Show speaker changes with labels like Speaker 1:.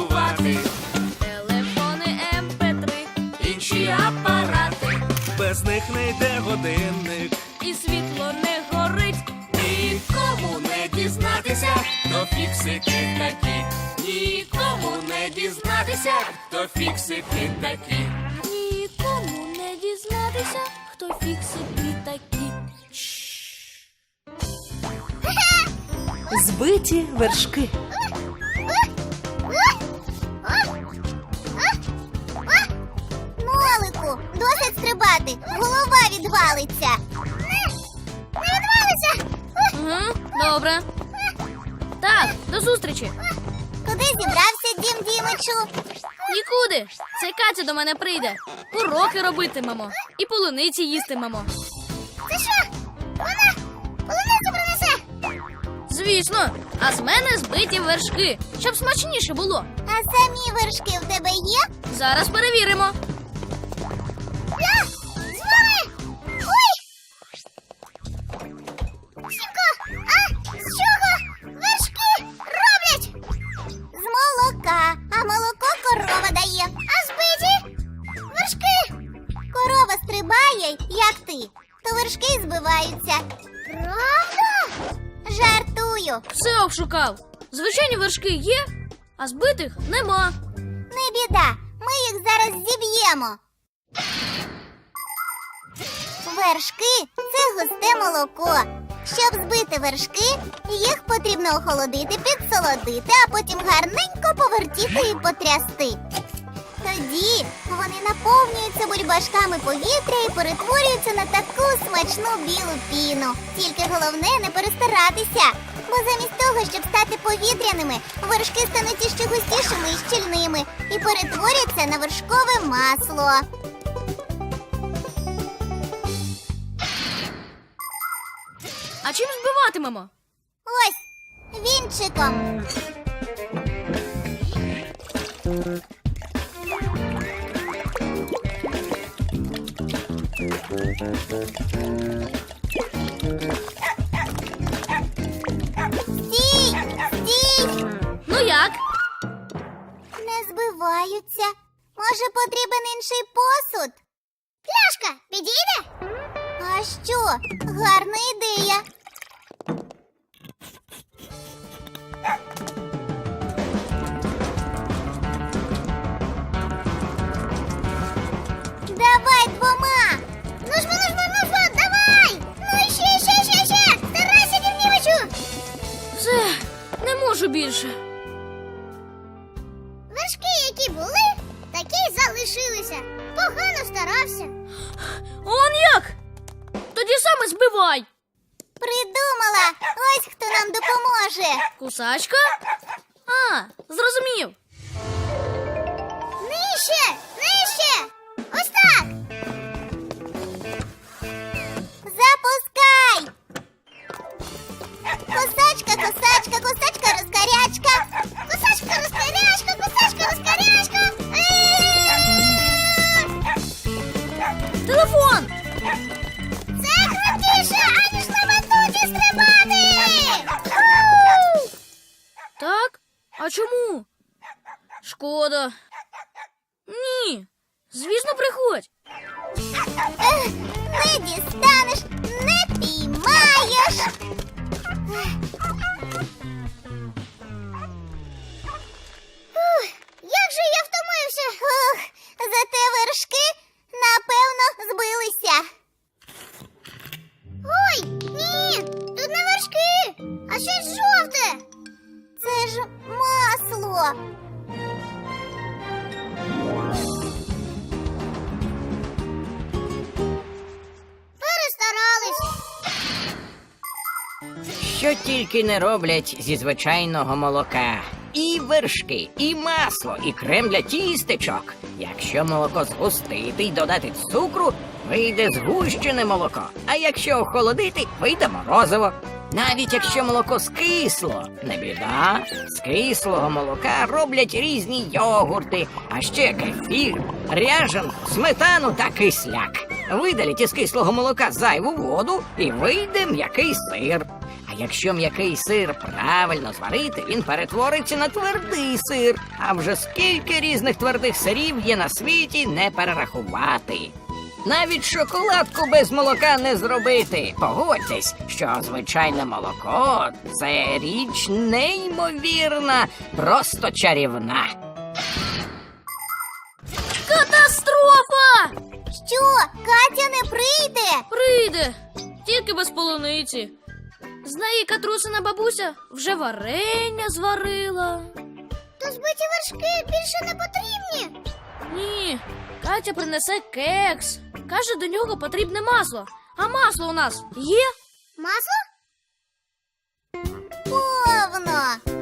Speaker 1: керувати.
Speaker 2: Телефони, MP3,
Speaker 1: Інші апарати, без них не йде годинник.
Speaker 2: і світло не горить.
Speaker 1: Нікому не дізнатися, хто фіксики такі. Нікому не дізнатися, хто фіксики такі.
Speaker 2: Нікому не дізнатися, хто фіксики такі.
Speaker 3: Збиті вершки.
Speaker 4: Нолику, досить стрибати, голова відвалиться. Не відвалиться.
Speaker 2: Угу, добре. Так, до зустрічі.
Speaker 4: Куди зібрався, Дім Дімичу?
Speaker 2: Нікуди. Це Катя до мене прийде. Уроки робитимемо. І полуниці їстимемо.
Speaker 4: Це що? Вона полуницю принесе?
Speaker 2: Звісно. А з мене збиті вершки, щоб смачніше було.
Speaker 4: А самі вершки в тебе є?
Speaker 2: Зараз перевіримо.
Speaker 4: Я з вами! Ой! Сімко, а з чого вершки роблять? З молока, а молоко корова дає. А збиті вершки. Корова стрибає, як ти, то вершки збиваються. Правда? Жартую.
Speaker 2: Все обшукав. Звичайні вершки є, а збитих нема.
Speaker 4: Не біда, ми їх зараз зіб'ємо. Вершки – це густе молоко. Щоб збити вершки, їх потрібно охолодити, підсолодити, а потім гарненько повертіти і потрясти. Тоді вони наповнюються бульбашками повітря і перетворюються на таку смачну білу піну. Тільки головне не перестаратися, бо замість того, щоб стати повітряними, вершки стануть іще густішими і щільними і перетворяться на вершкове масло.
Speaker 2: А чим збиватимемо?
Speaker 4: Ось, вінчиком. Стій! Стій!
Speaker 2: Ну як?
Speaker 4: Не збиваються. Може, потрібен інший посуд? Пляшка, підійде? А що? Гарна ідея. Давай двома. Ну жмо, давай! Ну ще. Старайся, Дімнівичу.
Speaker 2: Все, не можу більше.
Speaker 4: Вершки, які були, такі й залишилися. Погано старався.
Speaker 2: Он як? Тоді саме збивай.
Speaker 4: Придумала! Ось хто нам допоможе.
Speaker 2: Кусачка? А, зрозумів.
Speaker 4: Нижче! Ось так! Запускай! Косачка, розкарячка! Косачка, розкарячка!
Speaker 2: Телефон!
Speaker 4: Це крутіше, аніж на батуті стрибати!
Speaker 2: Так? А чому? Шкода. Ні. Звісно, приходь.
Speaker 4: Не дістанеш, не піймаєш. Як же я втомився. Зате вершки, напевно, збилися. Ой, ні, тут не вершки, а щось жовте. Це ж масло. Перестарались.
Speaker 5: Що тільки не роблять зі звичайного молока. І вершки, і масло, і крем для тістечок. Якщо молоко згустити й додати цукру, вийде згущене молоко. А якщо охолодити, вийде морозиво. Навіть якщо молоко скисло, не біда. З кислого молока роблять різні йогурти, а ще кефір, ряжанку, сметану та кисляк. Видаліть із кислого молока зайву воду і вийде м'який сир. А якщо м'який сир правильно зварити, він перетвориться на твердий сир. А вже скільки різних твердих сирів є на світі, не перерахувати. Навіть шоколадку без молока не зробити. Погодьтесь, що звичайне молоко – це річ неймовірна, просто чарівна.
Speaker 2: Катастрофа!
Speaker 4: Що, Катя не прийде?
Speaker 2: Прийде, тільки без полуниці. З неї Катрусина бабуся вже варення зварила.
Speaker 4: То збиті вершки більше не потрібні.
Speaker 2: Ні, Катя принесе кекс. Каже, до нього потрібне масло. А масло у нас є?
Speaker 4: Масло? Повно.